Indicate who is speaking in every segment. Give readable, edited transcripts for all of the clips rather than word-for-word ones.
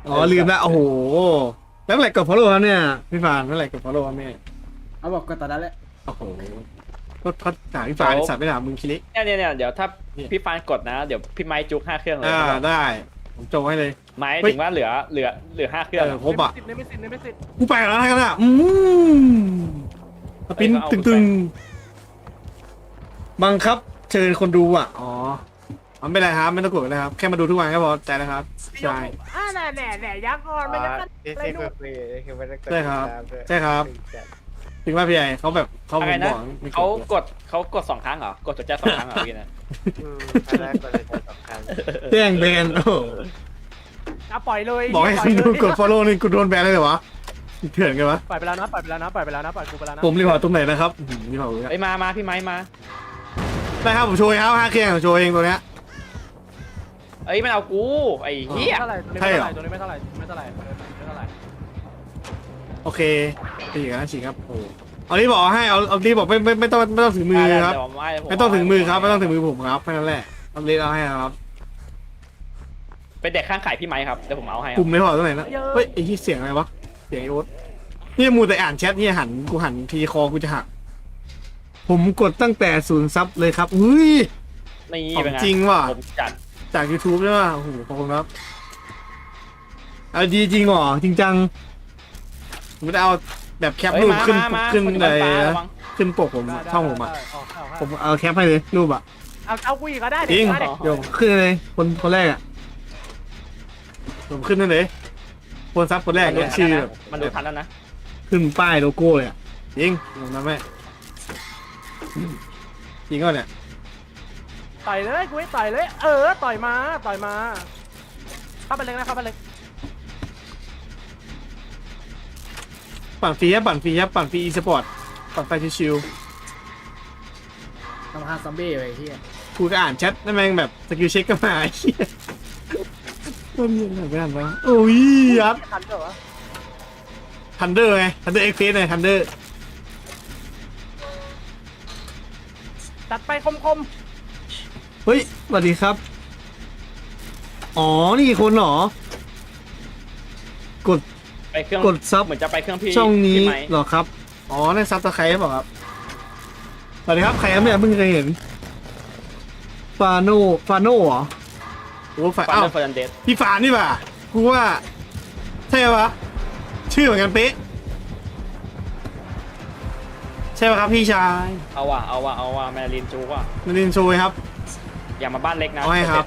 Speaker 1: อ๋อลืมละโอ้โหแล้วเมื่อไหร่กด follow ครับเนี่ยพี่ฟานเมื่อไหร่กด follow ครับเนี่ย
Speaker 2: เอาบอกกันตอนนั้นแหละ
Speaker 1: โอ้โหก็เขาถามพี่ฟานสัตว์ไม่ถามมึงคิริ
Speaker 3: เนี่ยเดี๋ยวถ้าพี่ฟานกดนะเดี๋ยวพี่ไม้จุก5 เครื่องเลย
Speaker 1: ได้ผมจงให้เลย
Speaker 3: ไม้ถึงว่าเหลือ5 เครื่อง
Speaker 1: ครบอ่ะ
Speaker 2: ในไม่สิทธิ์
Speaker 1: กูไปแล้วกันอ่ะสปินตึงๆบังคับเชิญคนดูอ่ะอ๋อไม่เป็นไรครับไม่ต้องกดนะครับแค่มาดูทุกวันก็พอใจนะครับใช่
Speaker 2: แหน่ยักษ์ก่อนมันจะกัน
Speaker 4: นี่
Speaker 2: อะไร
Speaker 4: ใช่
Speaker 2: ดู
Speaker 4: ฟรีๆคือไม่ได้กด
Speaker 1: ใช่ครับ
Speaker 4: ติดตามด้วย
Speaker 1: ใช่ครับถึงว่าพี่ใหญ่เขาแบบเขา
Speaker 3: อะไร
Speaker 1: บ
Speaker 3: นะ
Speaker 1: อกไม่
Speaker 3: เขากด2 ครั้งเหรอกดจดแจ้ง2 ครั้งเหรอพี่นะ
Speaker 4: อันแรกก็เลยจะสำคัญ
Speaker 1: แจ้งแบนโอ้
Speaker 2: อ่ะปล่อยเลย
Speaker 1: บอกให้คนดูกด follow นี่กูโดนแบนเลยเหรอวะเถื่อนกันวะ
Speaker 2: ปล่อยไปแล้วนะปล่อยไปแล้วนะปล่อยไปแล้วนะปล่อยกูไปแล้วนะ
Speaker 1: ผมรีพอร์ตตรงไหนนะครับรีพอร์ต
Speaker 3: ไอ้มาพี่ไม้มา
Speaker 1: ได้ครับผมโชว์ครับ5 เครื่องผมโชว์เองตัวเนี้ย
Speaker 3: เอ้ยมันเอากูไอ้เหี้ย
Speaker 2: เท่าไหร่ตัวนี้ไม่เท่าไหร่ไม่เท่าไหร่ไม่เท่าไหร่
Speaker 1: โอเคฉีกนะฉีกครับโอ้เอารีบบอกให้เอารีบบอกไม่ต้องถึงมือครับ ไม่ต้องถึงมือครับไม่ต้องถึงมือผมครับแค่นั้นแหละเอาเลนเอาให้ครับ
Speaker 3: เป็นเด็กข้างไข่พี่ไม้ครับเดี๋ยวผมเอาให้
Speaker 1: ปุ่มในหัวตรงไหนนะเฮ้ยไอ้ที่เสียงอะไรวะเสียงไอ้โอ๊ตนี่มูแต่อ่านแชทนี่หันทีคอกูจะหักผมกดตั้งแต่0 ซับเลยครับอุ้ย
Speaker 3: นี่
Speaker 1: ของ
Speaker 3: เป็นไง
Speaker 1: จริงว่ะ
Speaker 3: ผมจัด
Speaker 1: จาก YouTube ใช่ป่ะโอ้โหขอบคุณครับเอาดีจริงเหรอจริงจังผมไม่ได้เอาแบบแคปรูปขึ้นเลยนะขึ้นปกผมช่องผมอ่ะผมเอาแคปให้เลยรูปอ่ะ
Speaker 2: เอากูอีกก็ได้
Speaker 1: จริงเดี๋ยวขึ้นเลยคนแรกอ่ะผมขึ้นนั่นเลยคนซับคนแรกเนี่ยชื่อแบบ
Speaker 3: มันดูทันแล้วนะ
Speaker 1: ขึ้นป้ายโลโก้เลยอ่ะจริงผมทำให้จริงก็เนี่ย
Speaker 2: ต่อยเลยกูให้ต่อยเลยต่อยมาเข้าไปเล็กนะเข้าไปเล็ก
Speaker 1: ปั่นฟรีครับปั่นฟรีอีสปอร์ตปั่นไฟชิว
Speaker 2: ทำฮาซัมบี้ไปที่
Speaker 1: ๆกูก็อ่านแชทนั่นแม่งแบบสกิลเช็คก็มาไอ้เหี้ยต้นยังไงไม่อ่านวะโอ้ยยัด
Speaker 2: ทันเหรอ
Speaker 1: ทันเดอร์ไงทันเดอร์เอ็กเพสไงทันเดอร์
Speaker 2: ตัดไปคม
Speaker 1: เฮ้ยสวัสดีครับอ๋อนี่คนเหรอ
Speaker 3: ไปเครื่อง
Speaker 1: กดซับ
Speaker 3: เหมือนจะไปเครื่องพี่
Speaker 1: ช่องนี้
Speaker 3: พี่ไม้
Speaker 1: เหรอครับอ๋อในซับตะไคร้เปล่าครับสวัสดีครับใครครับเนี่ยเพิ่งเคยเห็นฟาโน่เหรอโอ้ฝ่าย
Speaker 3: ฟาน
Speaker 1: อ้าว
Speaker 3: เดอร์เฟอร์นันเดส
Speaker 1: พี่ฟานนี่ป่ะกูว่าใช่ปะชื่อเหมือนกันเป๊ะใช่ปะครับพี่ชาย
Speaker 3: เอาว่ะแมรินจูว่ะ
Speaker 1: มารินโชยครับ
Speaker 3: อย่ามาบ้านเล็กนะ
Speaker 1: เอาให้ครับ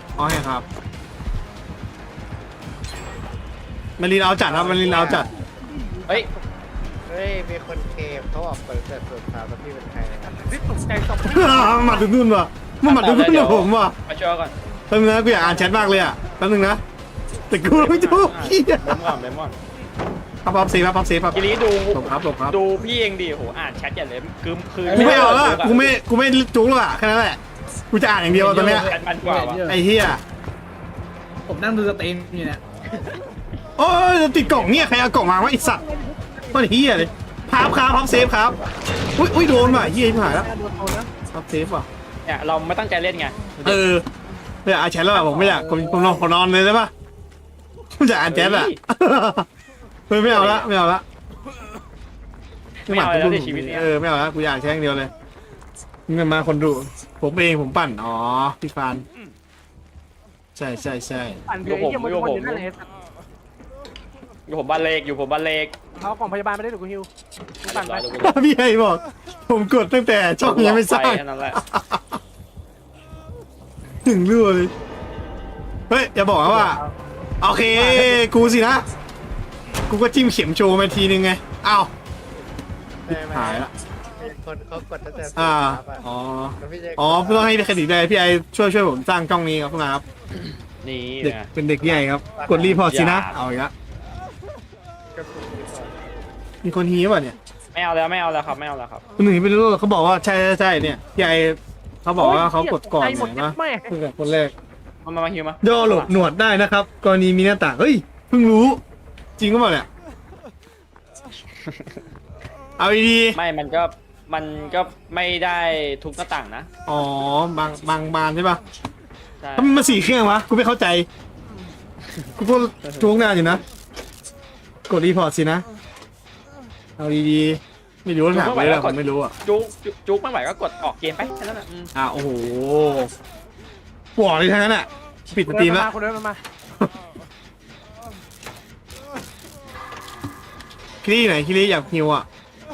Speaker 1: มารินเอาจัดครับมารินเอาจัด
Speaker 3: เฮ้ย
Speaker 4: เฮ้ยมีคนเคมเขาบอกเปิดแต่ส่วนสาวแล้วพี่เป็นใครนะ
Speaker 2: ๆนี่ตกใจตก
Speaker 1: หมัดถึงนู่นว่ะมันหมัดถึงนู่นกับผมว่ะ
Speaker 3: มาช่วยก่อน
Speaker 1: แป๊บนึงนะกูอยากอ่านแชทมากเลยอ่ะแป๊บนึงนะแต่กูไม่ถูกเหี้ย
Speaker 3: เมมอน
Speaker 1: พับเซฟครับ
Speaker 3: ทีนี้ดู
Speaker 1: หลบครับ
Speaker 3: ดูพี่เองดิโหอ่านแชทอย่าเลยคือ
Speaker 1: กูไม่เอาแล้วกูไม่จุกแล้วอ่ะแค่นั้นแหละกูจะอ่านอย่างเดียวตอนเนี้ย
Speaker 3: แชทมันกว่าวะ
Speaker 1: ไอ้เหี้ย
Speaker 2: ผมนั่งดูสตรีมอยู่เนี่ย
Speaker 1: โอ้ยติดกล่องเนี่ยใครเอากล่องมาวะไอสัตว์มันเฮียเลยพับเซฟครับอุ้ยโดนว่ะเฮียที่หายแล้ว
Speaker 2: โดนโดนนะ
Speaker 1: พับเซฟว่ะ
Speaker 3: เนี่ยเราไม่ตั้งใจเล่นไง
Speaker 1: ไม่อยากอ่านแชทแล้วอ่ะผมไม่อยากผมนอนเลยได้ปะผมจะอ่านแชทอ่ะไม่เอาละ
Speaker 3: ไม่เอาแล้วในชีวิตเนี้ย
Speaker 1: ไม่เอาละกูอยากอ่านแชทอย่างเดียวเลยเงินมาคนดูผมเองผมปั่นอ๋อพี่ฟานใช่
Speaker 2: ปั่นเพื่อไอ้เหี้ยมันอยู่นั่นแหละ
Speaker 3: อยู่ผมบ้านเล็ก
Speaker 2: เอากล่องพยาบาลมาได้หรือกูฮิวปั่นไป
Speaker 1: พี่ไอ้บอกผมกดตั้งแต่ช่องยังไม่สร้าง
Speaker 3: แค่นั้นแหละ
Speaker 1: ถึงรั่วเลยเฮ้ยอย่าบอกนะว่าโอเคกูสินะกูก็จิ้มเข็มโชว์มาทีนึงไงอ้าว
Speaker 4: ไม่
Speaker 1: หายละ
Speaker 4: มีคนเขากดตั้งแต่ส่วน
Speaker 1: อ่า
Speaker 4: สาวอะ
Speaker 1: อ๋อ
Speaker 4: แล้วพี่จะ
Speaker 1: อ๋อไม่ต้องให้เครดิตเลยพี่ไอช่วยผมสร้างช่องนี้ครับ
Speaker 3: นี่
Speaker 1: เด็ก
Speaker 3: นะ
Speaker 1: เป็นเด็กใหญ่ครับกดรีพอร์ตสินะเอาอีกละ
Speaker 4: กระปุกรีพอร์ต
Speaker 1: มีคนฮีป่ะเนี่ย
Speaker 3: ไม่เอาแล้วครับ
Speaker 1: คนหนึ่งไม่รู้เขาบอกว่าใช่เนี่ยพี่ไอเขาบอกว่าเขากดก่อนเห็นปะ
Speaker 2: แม่
Speaker 1: เพิ่งกับคนแรก
Speaker 3: มาฮิวมา
Speaker 1: ย่อหลบหนวดได้นะครับกรณีมีหน้าต่างเฮ้ยเพิ่งรู้จริงก็เปล่าเนี่ยเอาดี
Speaker 3: ไม่มันก็ไม่ได้ทุกหน้าต่างนะ
Speaker 1: ๆอ๋อบางบานใช่ปะ
Speaker 3: ใช่
Speaker 1: ทำไมมัน4 เครื่องวะกูไม่เข้าใจกูก็จ้วงนานอยู่นะ กดรีพอร์ตสินะ เอาดีๆ ไม่รู้ว่าถามไปแล้วผมไม่รู้อ่ะ
Speaker 3: จุกไม่ไหวก็กดออกเกมไปแค่นั้นแหละ
Speaker 1: โอ้โหปวดเลยทั้งนั้นอ่ะ ปิดสตรีมแล้ว
Speaker 2: คุณเดินมา
Speaker 1: คิรี่ไหนคิรี่อยากฮิวอ่ะ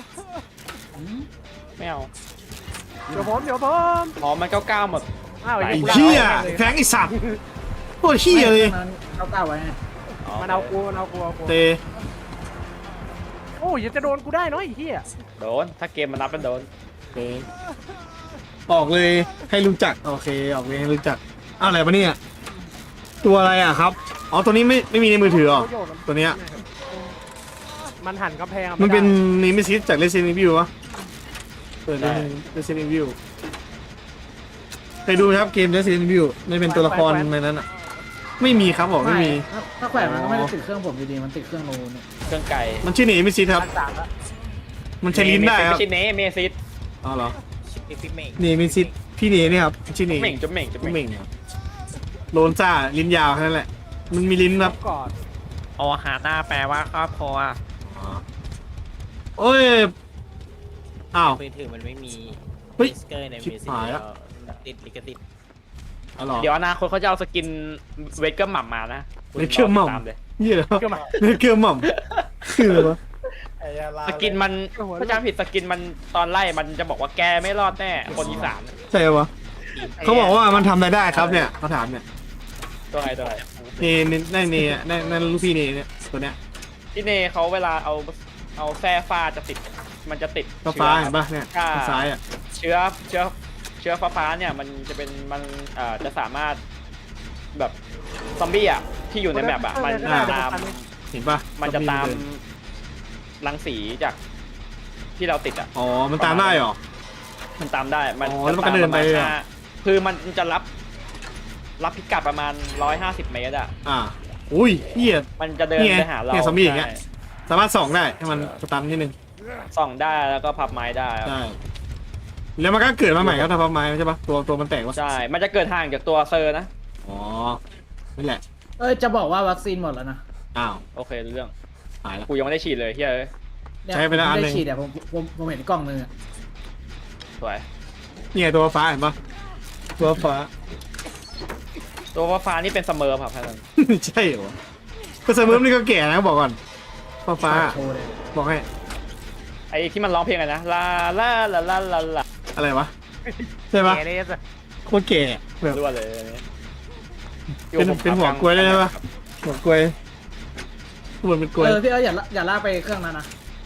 Speaker 3: ไม่เอา
Speaker 2: เดี๋ยวผม
Speaker 3: อ๋อมัน99หมด
Speaker 2: อ้าว
Speaker 1: ไอ้
Speaker 2: กู
Speaker 1: เหี้ยแฟงไอ้สัตว์โคตรเหี้ยเลย
Speaker 5: เขาก้าวไว้ไง
Speaker 2: มันเอากู
Speaker 1: เต
Speaker 2: โอ้ยจะโดนกูได้เนาะไอ้เหี้ย
Speaker 3: โดนถ้าเกมมันนับเป็นโดน
Speaker 1: เตออกเลยให้รู้จักโอเคออกเลยให้รู้จักอะไรปะเนี่ยตัวอะไรอ่ะครับอ๋อตัวนี้ไม่มีในมือถือหรอตัวเนี้ย
Speaker 2: มันหันกำแพง
Speaker 1: มันเป็นนิมิซิสจาก Resident Evil วะเปิด Resident Evil เคยดูไหมครับเกม Resident Evil ไม่เป็นตัวละครในนั้นอ่ะไม่มีครับบอกไม่มี
Speaker 5: ถ้าแขวนมันก็ไม่ได้ติดเครื่องผมอยู่ดีมันติดเครื่องโน้นเนี่ย
Speaker 3: เครื่องไก่
Speaker 1: มันชื่อนิมิซิสครับ
Speaker 2: 3แล้ว
Speaker 1: มันใช้ลิ้นได้ครับ
Speaker 3: ไม่ใช่เนเมซิส
Speaker 1: อ๋อเหรอ
Speaker 4: พี่เมฆ
Speaker 1: นิมิซิสพี่เนเนี่ยครับชื่อเน
Speaker 3: เหม่งจุ๊บเหม่งจุ๊บ
Speaker 1: จุ๊บ
Speaker 3: เห
Speaker 1: เห
Speaker 3: ม่ง
Speaker 1: ม่งครับโลนซ่าลิ้นยาวแค่นั้นแหละมันมีลิ้นครับ
Speaker 2: ก่อน
Speaker 3: โอหาหน้าแปลว่าครอบครัว
Speaker 1: โอ้ยอ้าว
Speaker 4: มือถือมันไม่มี
Speaker 1: เฮ้ย
Speaker 4: สเกอร์ใน
Speaker 1: ชิบ
Speaker 4: มือถื
Speaker 1: หายแล้ว
Speaker 4: ติดลิขสิทธิ์
Speaker 1: อ๋อเหรอ
Speaker 3: เดี๋ยวอนาคตเขาจะเอาสกินเวทเกอร์หม่ำมานะ
Speaker 1: เวทเกอร์หม่ำ
Speaker 3: ตามเลย
Speaker 1: เหี้ยเหรอ
Speaker 2: เกี่ยวมา
Speaker 1: เนื้อเกลือหม่ำคืออะไรวะ
Speaker 3: สกินมันถ้าจำผิดสกินมันตอนไล่มันจะบอกว่าแกไม่รอดแน่คนอีสาน
Speaker 1: ใช่ปะเขาบอกว่ามันทำอะไรได้ครับเนี่ยเขาถามเนี่ย
Speaker 3: ตัวไหนตัวไหน
Speaker 1: เนนั่นลูกพี่เนเนี่ยตัวเนี้ย
Speaker 3: พี่เนเขาเวลาเอาแส้ฟ้าจะติดมันจะติด
Speaker 1: ฟ้า
Speaker 3: เชื้อ
Speaker 1: เห็นปะเนี่ย
Speaker 3: ใช่
Speaker 1: ทางซ้ายอ่ะ
Speaker 3: เชื้อฟ้าเนี่ยมันจะเป็นมันจะสามารถแบบซอมบี้อ่ะที่อยู่ในแมปอ่ะมันจะตาม
Speaker 1: เห็นปะ
Speaker 3: มันจะตามรังสีจากที่เราติดอ่ะ
Speaker 1: อ๋อมันตามได้เหรอ
Speaker 3: มันตามได้มัน
Speaker 1: อ๋อแล้วมันก็เดินไปเลยเหรอ
Speaker 3: คือมันจะรับพิกัดประมาณ150 เมตรอ่ะ
Speaker 1: อุ้ยเหี้ย
Speaker 3: มันจะเดิน
Speaker 1: นี่ไง
Speaker 3: ไปหาเรา
Speaker 1: เนี่ยซอมบี้อย่างเงี้ย
Speaker 3: ใช่
Speaker 1: สามารถส่องได้ให้มันสตันนิดนึง
Speaker 3: ส่องได้แล้วก็พับไม้ได้ครับ
Speaker 1: ได้แล้วมันก็เกิดมาใหม่ครับถ้าพับไม้ใช่ปะตัวมันแตกวะ
Speaker 3: ใช่ มันจะเกิดห่างจากตัวเซอร์นะ
Speaker 1: อ๋อนี่แหละ
Speaker 5: จะบอกว่าวัคซีนหมดแล้วนะ
Speaker 1: อ้าว
Speaker 3: โอเครู้เรื่อง
Speaker 1: หายแล้ว
Speaker 3: กูยังไม่ได้ฉีดเลยเฮ้ย
Speaker 5: เนี่ย
Speaker 1: ใช้ไปแล้วอันหนึ่ง
Speaker 5: ม่ด้ฉีดผมเห็นกล้องนึงอะ
Speaker 3: สวย
Speaker 1: เนี่ยตัวฟ้าเห็นปะตัวฟ้า
Speaker 3: ตัวฟ้านี่เป็นเสมอครับท่าน
Speaker 1: ใช่เหรอก็เสมอนี่ก็แก่นะบอกก่อนฟ้า
Speaker 5: โชว์เลย
Speaker 1: บอกให้
Speaker 3: ไอ้ที่มันร้องเพลงอะไรนะลาลาลาลาลาลา
Speaker 1: อะไรวะใช่ปะ
Speaker 2: เกเรส
Speaker 1: โคตรแก่แบบ
Speaker 3: รั่วเลยอันนี้
Speaker 1: เป็นหัวกล้วยได้ปะหัวกล้วยบนเป็นกล้วย
Speaker 5: พี่อย่าลากไปเครื่องนั้นนะ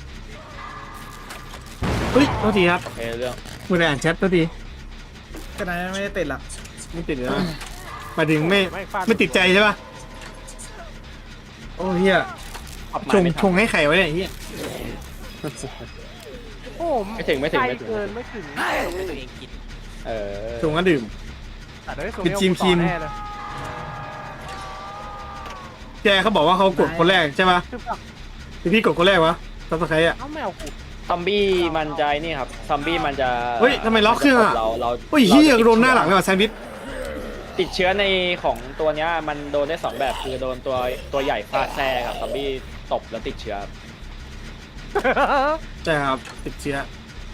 Speaker 1: เฮ้ยโทษทีครับ
Speaker 3: โอเครู้เรื่อง
Speaker 1: มืออ่านแชทโทษที
Speaker 5: ขนาดนั้นไม่ได้ติดหรอก
Speaker 1: ไม่ติดเลยนะหมายถึงไม่ติดใจใช่ปะโอ้เฮีย
Speaker 3: พับไม้
Speaker 1: ชง
Speaker 3: ไม่
Speaker 1: ช
Speaker 3: ทัน
Speaker 1: งให้ไข่ไว้เนี่ยเฮีย
Speaker 2: โอ้
Speaker 3: ไม่ถึง
Speaker 2: ใกล้เกินไม่ถึง
Speaker 4: ให้ตัวเองกิน
Speaker 3: เออ
Speaker 1: ชงก็ดื่ม
Speaker 2: แต่เดี๋ยว
Speaker 1: เป็นจิม
Speaker 2: ต่อแน่เลย
Speaker 1: แกเขาบอกว่าเขากดคนแรกใช่ปะ
Speaker 2: คือแบบ
Speaker 1: หรือพี่กดคนแรกวะซับสไครต์อ่ะ
Speaker 2: เอ้าไม่เอากู
Speaker 3: ซอมบี้มันจะไอ้นี่ครับซอมบี้มันจะ
Speaker 1: เฮ้ยทำไมล็อกเครื่องอะ
Speaker 3: เรา
Speaker 1: โอ้ยเฮียโดนหน้าหลังเลยว่ะแซนด์วิช
Speaker 3: ติดเชื้อในของตัวเนี้ยมันโดนได้2แบบคือโดนตัวใหญ่ฟาดแซ่ครับซอมบี้ตบแล้วติดเชื้อ
Speaker 1: ใช่ครับติดเชื้อ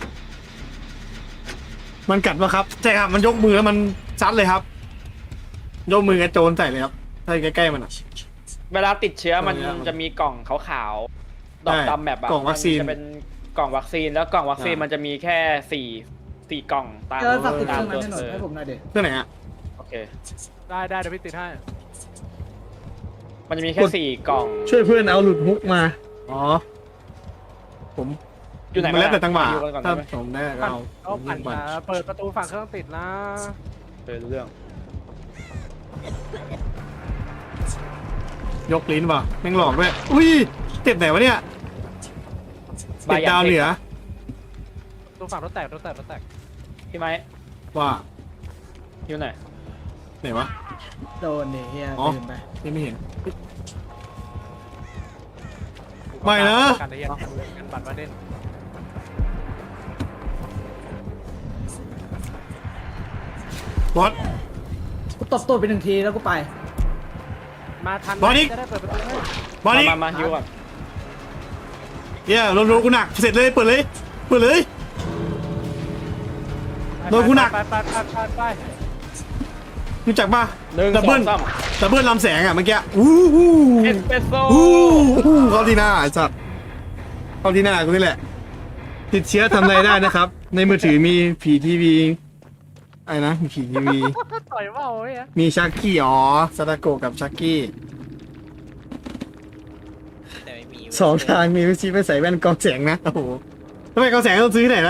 Speaker 1: มันกัดปะครับใช่ครับมันยกมือแล้วมันซัดเลยครับยกมือกระโจนใส่เลยครับถ้าใกล้ๆมันอ่ะ
Speaker 3: เวลาติดเชื้อมัน
Speaker 1: ตัวเนี้ย
Speaker 3: จะมีกล่องขาวๆดอก
Speaker 1: ใช่
Speaker 3: ดำแบบอะ
Speaker 1: กล่องวัคซีน
Speaker 3: มัจะเป็นกล่องวัคซีนแล้วกล่องวัคซีน
Speaker 1: อ่ามั
Speaker 3: มันจะมีแค่สี่กล่องตาม
Speaker 5: ฝากติดเค
Speaker 3: ตาม
Speaker 5: รื่องนั้น
Speaker 3: ตัว
Speaker 5: ให้หน่อยให้ผมหน่อยเด็
Speaker 1: เพื่อไหนอ่ะ
Speaker 3: โอเค
Speaker 2: ได้เดี๋ยวพี่ติดให้
Speaker 3: มันจะมีแค่
Speaker 1: กด
Speaker 3: 4 กล่อง
Speaker 1: ช่วยเพื่อนเอาหลุดฮุกมาอ๋อผม
Speaker 3: อยู่ไหน
Speaker 1: มันแล้วแต่จังหวะ
Speaker 3: อยู่กันก่อน
Speaker 1: ถ้า
Speaker 3: ได้ไหม
Speaker 1: ผมได้ก็เอา
Speaker 2: เอาปั่น
Speaker 1: ปั่น
Speaker 2: เปิดประตูฝั่งเครื่องติดนะ
Speaker 3: รู้เรื่อง
Speaker 1: ยกลิ้นป่ะแม่งหลอกด้วยอุ้ยเจ็บไหนวะเนี่ยเจ็บดาวเหนือ
Speaker 2: ประตูฝั่งรถแตก
Speaker 3: พี่ไม้
Speaker 1: ว่า
Speaker 3: อยู่ไหน
Speaker 1: ไหนวะ
Speaker 5: โดนเนี่ยเฮีย
Speaker 1: อ๋อ
Speaker 5: ตื่นไป
Speaker 1: ยังไม่เห็น ไม่นะ
Speaker 2: การเรียนกันบัตรมาเด่น
Speaker 1: บอส
Speaker 5: กูตบตัวไป1 ทีแล้วกูไป
Speaker 2: มาทัน
Speaker 1: บอลอีก
Speaker 2: จะได้เปิดประตูให้
Speaker 1: บอลนี้
Speaker 3: มาฮิวก่อน
Speaker 1: เฮียโดนกูหนักเสร็จเลยเปิดเลยเปิดเลย โดนกูหนัก
Speaker 2: ไป
Speaker 1: รู้จักป่ะ
Speaker 3: หนึ่ง
Speaker 1: ดับ
Speaker 3: สอ
Speaker 1: เบิ้
Speaker 3: ง
Speaker 1: ล
Speaker 3: สาม
Speaker 1: ดับเบิ้ลลำแสงอ่ะเมื่อกี้อู้หู
Speaker 3: เอสเปรสโซ่
Speaker 1: อู้หูเข้าที่หน้าไอ้สัตว์เข้าที่หน้ากูนี่แหละ ติดเชื้อทำอะไรได้นะครับ ในมือถือมีผีทีวีอะไรนะมีผีทีวี
Speaker 2: ต่อยว่าวเฮ้ย
Speaker 1: มีชักกี้อ๋อซาตาโกะกับชักกี้
Speaker 4: แต่ไม่มี
Speaker 1: สองทางมีวิธีไปใส่แว่นกรองแสงนะโอ้โหทำไมกรองแสงต้องซื้อที่ไหนนะ